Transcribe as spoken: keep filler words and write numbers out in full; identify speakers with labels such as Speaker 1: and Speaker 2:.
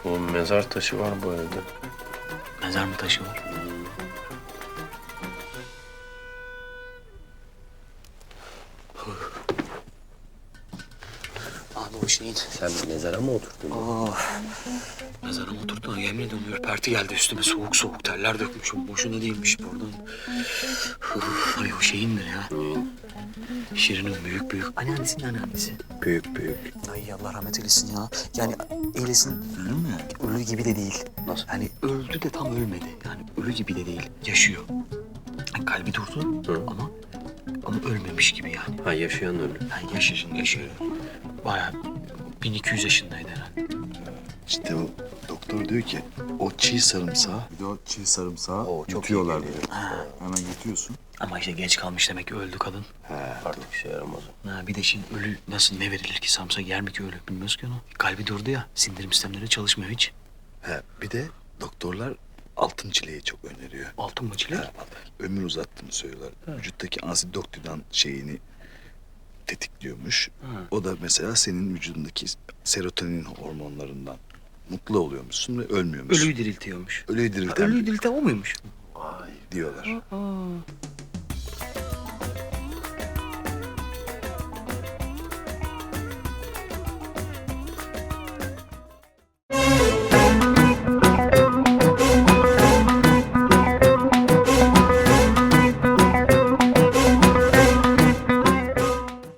Speaker 1: Oğlum mezar taşı var bu evde.
Speaker 2: Mezar mı taşı var? Abi o şeyin...
Speaker 1: Sen mezara mı oturdun?
Speaker 2: Oh. Mezara mı oturdu? Yemin ediyorum ürperti geldi üstüme. Soğuk soğuk terler dökmüşüm. Boşuna değilmiş pardon. Uf, ay o şeyindir ya. Şirin'in büyük büyük anneannesinin anneannesi.
Speaker 1: Büyük büyük.
Speaker 2: Ay Allah rahmet eylesin ya. Yani eylesin. Ölü mü? Ölü gibi de değil.
Speaker 1: Nasıl?
Speaker 2: Yani öldü de tam ölmedi. Yani ölü gibi de değil. Yaşıyor. Yani kalbi durdu
Speaker 1: Hı.
Speaker 2: ama ama ölmemiş gibi yani.
Speaker 1: Ha yaşayan ölü.
Speaker 2: Yani yaşasın yaşıyor. Bayağı bin iki yüz yaşındaydı herhalde.
Speaker 3: İşte o doktor diyor ki o çiğ sarımsağı, bir de o çiğ sarımsağı
Speaker 1: Oo, çok
Speaker 3: yutuyorlar
Speaker 1: iyi
Speaker 3: diyor. Hemen yutuyorsun.
Speaker 2: Ama işte geç kalmış demek ki öldü kadın.
Speaker 3: He.
Speaker 1: Artık işe yaramaz o.
Speaker 2: Ha, bir de şimdi ölü nasıl ne verilir ki samsa yer mi ki ölü bilmiyoruz ki onu. Kalbi durdu ya sindirim sistemleri çalışmıyor hiç.
Speaker 3: He. Bir de doktorlar altın çileği çok öneriyor.
Speaker 2: Altın mı çilek?
Speaker 3: He, ömür uzattığını söylüyorlar. Vücuttaki ansidoktüdan şeyini tetikliyormuş.
Speaker 2: Ha.
Speaker 3: O da mesela senin vücudundaki serotonin hormonlarından mutlu oluyormuşsun ve ölmüyormuşsun.
Speaker 2: Ölüyü diriltiyormuş.
Speaker 3: Ölüyü
Speaker 2: Ha,
Speaker 3: dirilten
Speaker 2: ölüyü dirilten o muymuş?
Speaker 3: diyorlar.
Speaker 2: Aa.